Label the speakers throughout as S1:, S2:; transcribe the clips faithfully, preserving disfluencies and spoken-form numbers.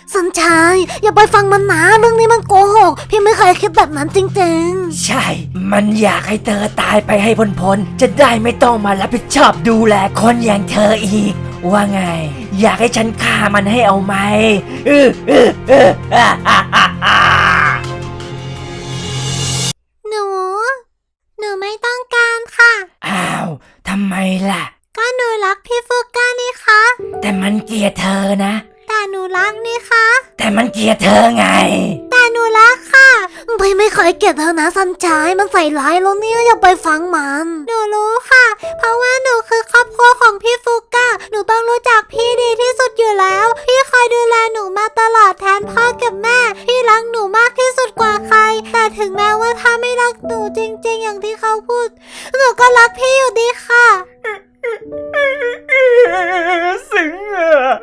S1: สัญชัยอย่าไปฟังมันนะเรื่องนี้มันโกหกพี่ไม่เคยคิดแบบนั้นจริงๆ
S2: ใช่มันอยากให้เธอตายไปให้พ้นๆจะได้ไม่ต้องมารับผิดชอบดูแลคนอย่างเธออีกว่าไงอยากให้ฉันฆ่ามันให้เอาไหมเออเออเอออ่าอ่าอ่าอ่า
S1: หนูหนูไม่ต้องการค่ะ
S2: อ้าวทำไมล่ะ
S1: ก็หนูรักพี่ฟูก้านี่คะ
S2: แต่มันเกลียดเธอนะ
S1: แต่หนูรักนี่คะ
S2: แต่มันเกลียดเธอไง
S1: แต่หนูรักค่ะพี่ไม่เคยเกลียดเธอนะสัญชัยมันใส่ร้ายแล้วเนี่ยอย่าไปฟังมันหนูรู้ค่ะเพราะว่าหนูคือครอบครัวของพี่ฟูก้าหนูต้องรู้จักพี่ดีที่สุดอยู่แล้วพี่คอยดูแลหนูมาตลอดแทนพ่อกับแม่พี่รักหนูมากที่สุดกว่าใครแต่ถึงแม้ว่าถ้าไม่รักหนูจริงๆอย่างที่เขาพูดหนูก็รักพี่อยู่ดีค่ะ
S2: ซึ้งอ่ะ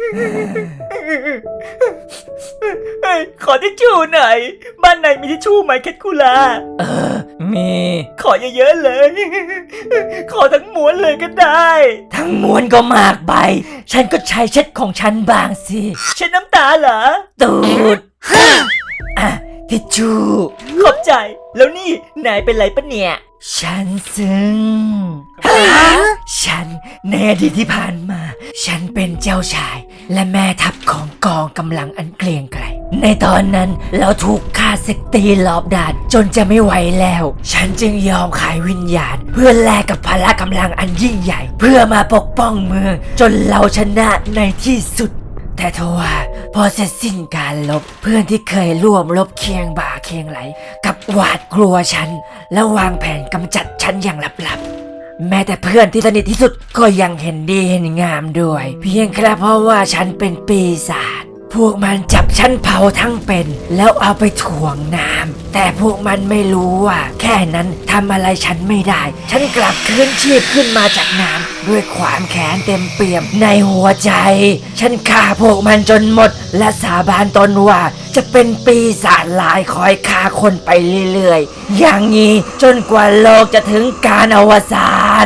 S2: เฮ้ยขอทิชชู่หน่อยบ้านไหนมีทิชชู่ไหมแคทคูล่าเออมีขอเยอะๆเลยขอทั้งม้วนเลยก็ได้ทั้งม้วนก็มากไปฉันก็ใช้เช็ดของฉันบางสิเช็ดน้ำตาเหรอตูดอ่ะทิชชู่ขอบใจแล้วนี่นายเป็นไรปะเนี่ยฉันซึ้งฉันในอดีตที่ผ่านมาฉันเป็นเจ้าชายและแม่ทัพของกองกำลังอันเกรียงไกรในตอนนั้นเราถูกฆ่าศึกตีรอบด้านจนจะไม่ไหวแล้วฉันจึงยอมขายวิญญาณเพื่อแลกกับพละกำลังอันยิ่งใหญ่เพื่อมาปกป้องเมืองจนเราชนะในที่สุดแต่ทว่าพอเสร็จสิ้นการลบเพื่อนที่เคยร่วมรบเคียงบ่าเคียงไหลกับหวาดกลัวฉันและวางแผนกำจัดฉันอย่างลับๆแม้แต่เพื่อนที่สนิทที่สุดก็ยังเห็นดีเห็นงามด้วยเพียงแค่เพราะว่าฉันเป็นปีศาจพวกมันจับฉันเผาทั้งเป็นแล้วเอาไปถ่วงน้ำแต่พวกมันไม่รู้ว่าแค่นั้นทำอะไรฉันไม่ได้ฉันกลับคืนชีพขึ้นมาจากน้ำด้วยความแค้นเต็มเปี่ยมในหัวใจฉันฆ่าพวกมันจนหมดและสาบานตนว่าจะเป็นปีศาจลายคอยฆ่าคนไปเรื่อยๆอย่างนี้จนกว่าโลกจะถึงการอวสาน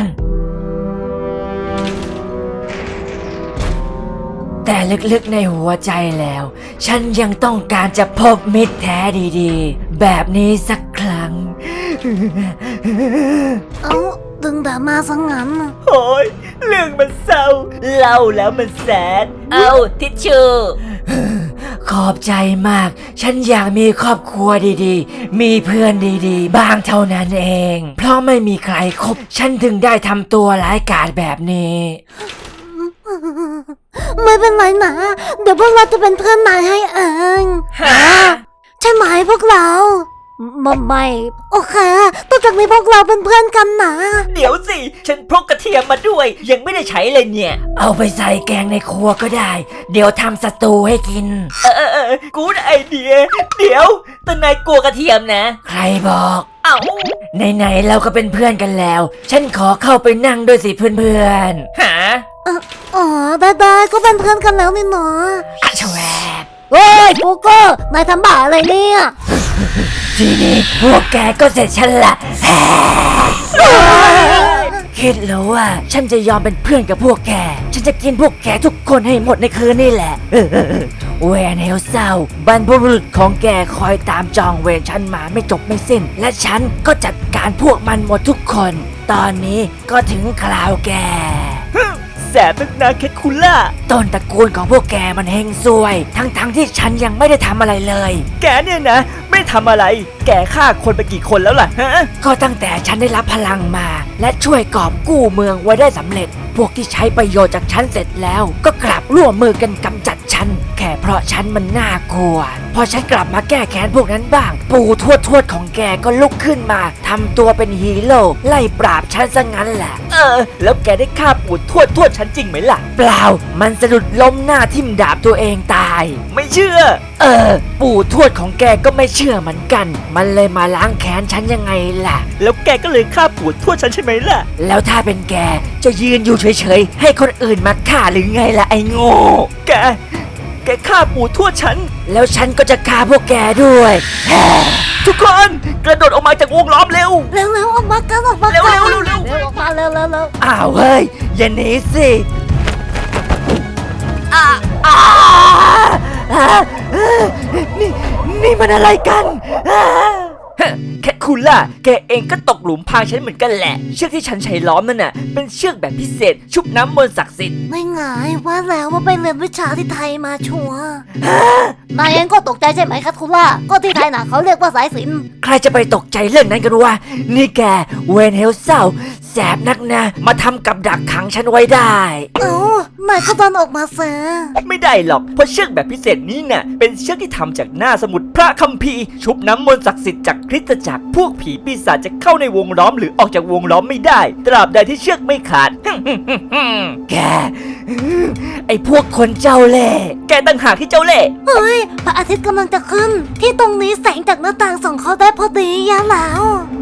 S2: แต่ลึกๆในหัวใจแล้วฉันยังต้องการจะพบมิตรแท้ดีๆแบบนี้สักครั้ง
S1: เอ้าดึงแต่มาซะงั้น
S2: โอ้ยเรื่องมันเศร้าเล่าแล้วมันแสนเอาทิชชู่ขอบใจมากฉันอยากมีครอบครัวดีๆมีเพื่อนดีๆบ้างเท่านั้นเองเพราะไม่มีใครคบฉันถึงได้ทำตัวร้ายกาจแบบนี้
S1: ไม่เป็นไรนะเดี๋ยวพวกเราจะเป็นเพื่อนนายให้เอง
S2: ฮะ
S1: ใช่ไหมพวกเราไม่ไม่โอเคต่อจากนี้พวกเราเป็นเพื่อนกันนะ
S2: เดี๋ยวสิฉันพกกระเทียมมาด้วยยังไม่ได้ใช้เลยเนี่ยเอาไปใส่แกงในครัวก็ได้เดี๋ยวทำสตูให้กินเออเออกูดไอเดียเดี๋ยวแต่นายกลัวกระเทียมนะใครบอกเอ้าไหนๆเราก็เป็นเพื่อนกันแล้วฉันขอเข้าไปนั่งด้วยสิเพื่อนๆหา
S1: อ๋อได้ได้ก็เป็นเพื่อนกันแล้วนี่เนาะ
S2: อะชวบ
S1: เฮ้ยฟูโก้นายทำบ้าอะไรเนี่ย
S2: ทีนี้พวกแกก็เสร็จฉันละคิดแล้วว่าฉันจะยอมเป็นเพื่อนกับพวกแกฉันจะกินพวกแกทุกคนให้หมดในคืนนี่แหละเวนเฮลเศร้าบรรพบุรุษของแกคอยตามจองเวรฉันมาไม่จบไม่สิ้นและฉันก็จัดการพวกมันหมดทุกคนตอนนี้ก็ถึงคราวแกแสบนักนาแคทคูล่าต้นตระกูลของพวกแกมันเฮงซวยทั้งๆ ท, ที่ฉันยังไม่ได้ทำอะไรเลยแกเนี่ยนะไม่ทำอะไรแกฆ่าคนไปกี่คนแล้วล่ะฮะก็ตั้งแต่ฉันได้รับพลังมาและช่วยกอบกู้เมืองไว้ได้สำเร็จพวกที่ใช้ประโยชน์จากฉันเสร็จแล้วก็กลับร่วมมือกันกำจัดฉันแค่เพราะฉันมันน่ากลัวพอฉันกลับมาแก้แค้นพวกนั้นบ้างปู่ทวดทวดของแกก็ลุกขึ้นมาทำตัวเป็นฮีโร่ไล่ปราบฉันซะงั้นแหละเออแล้วแกได้ฆ่าปู่ทวดทวดฉันจริงไหมล่ะเปล่ามันสะดุดล้มหน้าทิ่มดาบตัวเองตายไม่เชื่อเออปู่ทวดของแกก็ไม่เชื่อเหมือนกันมันเลยมาล้างแค้นฉันยังไงล่ะแล้วแกก็เลยฆ่าปู่ทวดฉันใช่ไหมล่ะแล้วถ้าเป็นแกจะยืนอยู่เฉยๆให้คนอื่นมาฆ่าหรือไงล่ะไอ้โง่แกแกฆ่าปู่ทวดฉันแล้วฉันก็จะฆ่าพวกแกด้วยทุกคนกระโดดออกมาจากวงล้อมเร็ว
S1: เร็วๆออกมากันออกมา
S2: เร็วเร็วเร็วเร็ว
S1: ออกมาเร็วเร็วเร็ว
S2: อ้าวเฮ้ยอย่าหนีสิอ้าอ้านี่มันอะไรกันอ่าฮะแคทคูล่าแกเองก็ตกหลุมพรางฉันเหมือนกันแหละเชือกที่ฉันใช้ล้อมนั่นน่ะเป็นเชือกแบบพิเศษชุบน้ำมนต์ศักดิ์สิทธิ์
S1: ไม่ไงว่าแล้วว่าไปเรียนวิชาที่ไทยมาชัวร์นายเองก็ตกใจใช่ไหมครับคุณล่าก็ที่ไทยน่ะเขาเรียกว่าสายสิญจน์
S2: ใครจะไปตกใจเรื่องนั้นกันวะนี่แกเวนเฮลเซาแสบนักนะมาทำกับดักขังฉันไว้ได้
S1: เอ้านายก็ดันออกมาซะ
S2: ไม่ได้หรอกเพราะเชือกแบบพิเศษนี้น่ะเป็นเชือกที่ทำจากหน้าสมุดพระคัมภีร์ชุบน้ำมนต์ศักดิ์สิทธิ์จากคริสตจักรพวกผีปีศาจจะเข้าในวงล้อมหรือออกจากวงล้อมไม่ได้ตราบใดที่เชือกไม่ขาด แกไอพวกคนเจ้าเล่ห์แกต่างหากที่เจ้าเล่ห์
S1: เฮ้ยพระอาทิตย์กำลังจะขึ้น ที่ตรงนี้แสงจากหน้าต่างส่องเข้าได้พอดียะแล้ว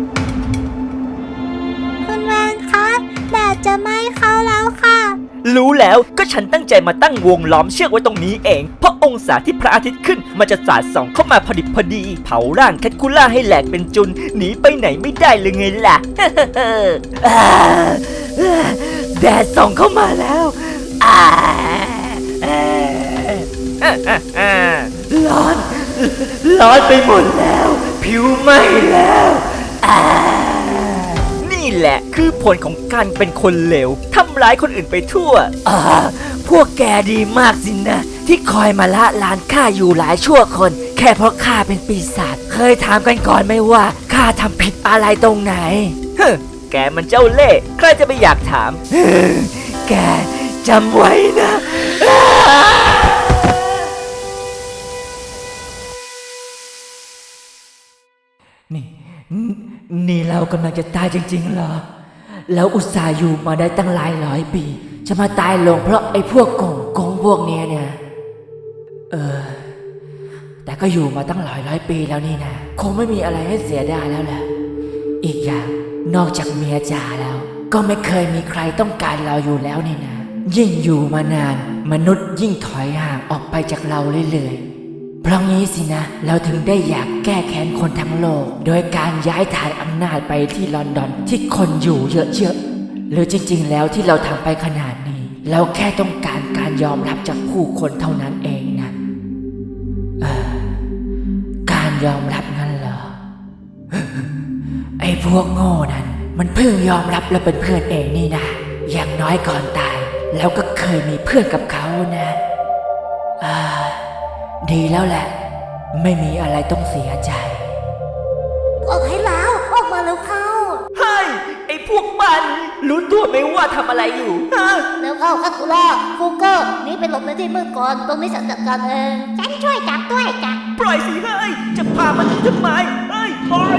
S1: คุณแวนครับแดดจะไหม้เขาแล้วค่ะ
S2: รู้แล้วก็ฉันตั้งใจมาตั้งวงล้อมเชือกไว้ตรงนี้เองเพราะองศาที่พระอาทิตย์ขึ้นมันจะสาดส่องเข้ามาพอดิบพอดีเผาร่างแคทคูล่าให้แหลกเป็นจุนหนีไปไหนไม่ได้เลยไงล่ะ อ่าแดดส่องเข้ามาแล้วอ่าอ่าร้อนร้อนไปหมดแล้วผิวไหม้แล้วอ่านี่แหละคือผลของการเป็นคนเลวทำร้ายคนอื่นไปทั่วอ่าพวกแกดีมากสินะที่คอยมาละลานข้าอยู่หลายชั่วคน แค่เพราะข้าเป็นปีศาจเคยถามกันก่อนไหมว่าข้าทำผิดอะไรตรงไหนฮึแกมันเจ้าเล่ห์ใครจะไปอยากถามฮึแกจำไว้นะนี่นี่เรากำลังจะตายจริงๆเหรอแล้วอุตส่าห์อยู่มาได้ตั้งหลายร้อยปีจะมาตายลงเพราะไอ้พวกโกงโกงพวกเนี้ยเนี่ยเออแต่ก็อยู่มาตั้งหลายร้อยปีแล้วนี่นะคงไม่มีอะไรให้เสียดายแล้วแหละอีกอย่างนอกจากเมียจ๋าแล้วก็ไม่เคยมีใครต้องการเราอยู่แล้วนี่นะยิ่งอยู่มานานมนุษย์ยิ่งถอยห่างออกไปจากเราเรื่อยๆเพราะงี้สินะเราถึงได้อยากแก้แค้นคนทั้งโลกโดยการย้ายฐานอำนาจไปที่ลอนดอนที่คนอยู่เยอะๆหรือจริงๆแล้วที่เราทำไปขนาดนี้เราแค่ต้องการการยอมรับจากผู้คนเท่านั้นเองนะเออการยอมรับงั้นเหรอ ไอ้พวกโง่นั้นมันเพิ่งยอมรับแล้วเป็นเพื่อนเองนี่นะอย่างน้อยก่อนตายแล้วก็เคยมีเพื่อนกับเขานะอ่าดีแล้วแหละไม่มีอะไรต้องเสียใจ
S1: ออกให้แล้วออกมาแล้วเข้า
S2: เฮ้ยไอ้พวกมันรู้ตัวไหมว่าทำอะไรอยู่ฮะ
S1: แล้วเข้าคาคูล่าฟูเกอร์นี่ไปหลบในที่มืดก่อนตรงนี้ฉันจัดการเองฉันช่วยจับด้วยจ้ะ
S2: ปล่อยสิเฮ้ยจะพามันหนีทำไมเฮ้ยปล่อย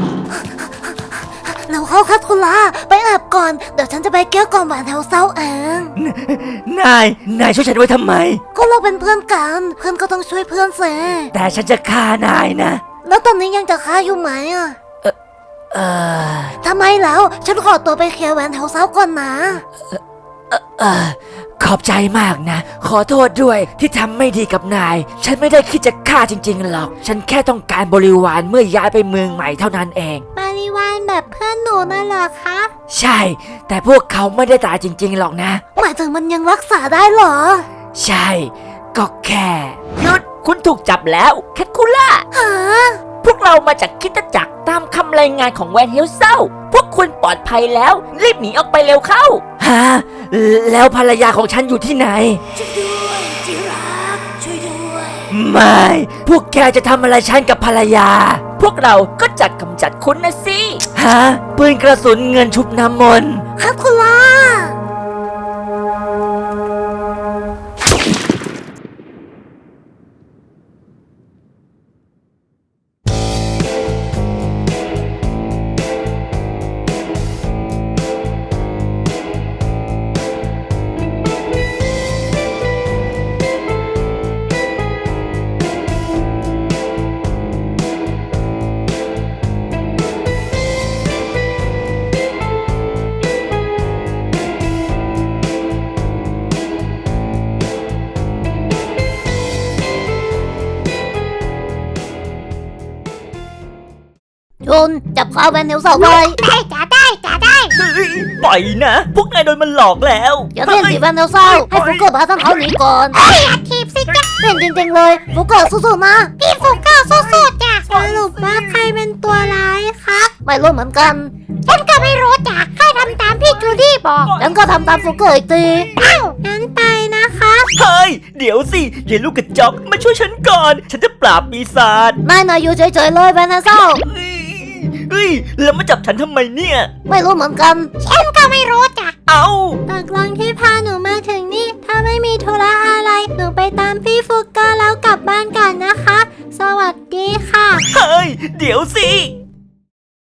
S1: แล้วเข้าคาคูล่าไปแอบก่อนเดี๋ยวฉันจะไปเกี้ยวก่อนหวานแถวเศร้าเอง
S2: นายนายช่วยฉันไว้ทำไม
S1: ก็เราเป็นเพื่อนกันเพื่อนก็ต้องช่วยเพื่อนเส
S2: แต่ฉันจะฆ่านายนะ
S1: แล้วตอนนี้ยังจะฆ่าอยู่ไหมอ่ะ
S2: เออ
S1: ทำไมแล้วฉันขอตัวไปเคลียร์แหวนแถวเศร้าก่อนนะ
S2: เออขอบใจมากนะขอโทษด้วยที่ทำไม่ดีกับนายฉันไม่ได้คิดจะฆ่าจริงๆหรอกฉันแค่ต้องการบริวารเมื่อย้ายไปเมืองใหม่เท่านั้นเอง
S1: บริวารแบบเพื่อนหนูน่ะเหรอครับ
S2: ใช่แต่พวกเขาไม่ได้ตายจริงๆหรอกนะ
S1: หมายถึงมันยังรักษาได้เหรอ
S2: ใช่ก็แค่หยุดคุณถูกจับแล้วแคทคูล่า
S1: ฮะ
S2: พวกเรามาจากคริสตจักรตามคำรายงานของแวนเฮลเซาพวกคุณปลอดภัยแล้วรีบหนีออกไปเร็วเข้าฮะแล้วภรรยาของฉันอยู่ที่ไหน
S1: ช่วยด้วยที่รักช่วยด้วย
S2: ไม่พวกแกจะทำอะไรฉันกับภรรยา พวกเราก็จัดกำจัดคุณนะสิฮะปืนกระสุนเงินชุบน้ำมนต์
S1: คาคูล่าจุนจับข้าวแวนเนลเสาไว้ได้จ้าได้จ้าได้
S2: เฮ้ยปล่อยนะ พวกนายโดนมันหลอกแล้ว
S1: อย่าเล่นสิแวนเนลเสาให้ฟุกเกอร์พาทั้งเขาหนีก่อนไอ้ทีบสิจ๊ะเล่นจริงๆเลยฟุกเกอร์สู้ๆนะพี่ฟุกเกอร์สู้ๆจ้ะสรุปว่าใครเป็นตัวร้ายครับไม่รู้เหมือนกันฉันก็ไม่รู้จ้ะแค่ทำตามพี่จูดี้บอกฉันก็ทำตามฟูเกอร์อีกทีอ้าวงั้นไปนะคะ
S2: เฮ้ย เดี๋ยวสิยายลูกกระจอกมาช่วยฉันก่อน ฉันจะปราบปีศาจ
S1: นายนายอยู่เฉยๆเลยแบนนาเซล
S2: เฮ้ยเฮ้ย แล้วมาจับฉันทำไมเนี่ย
S1: ไม่รู้เหมือนกันฉันก็ไม่รู้จ้ะ
S2: เอา
S1: ตกลงที่พาหนูมา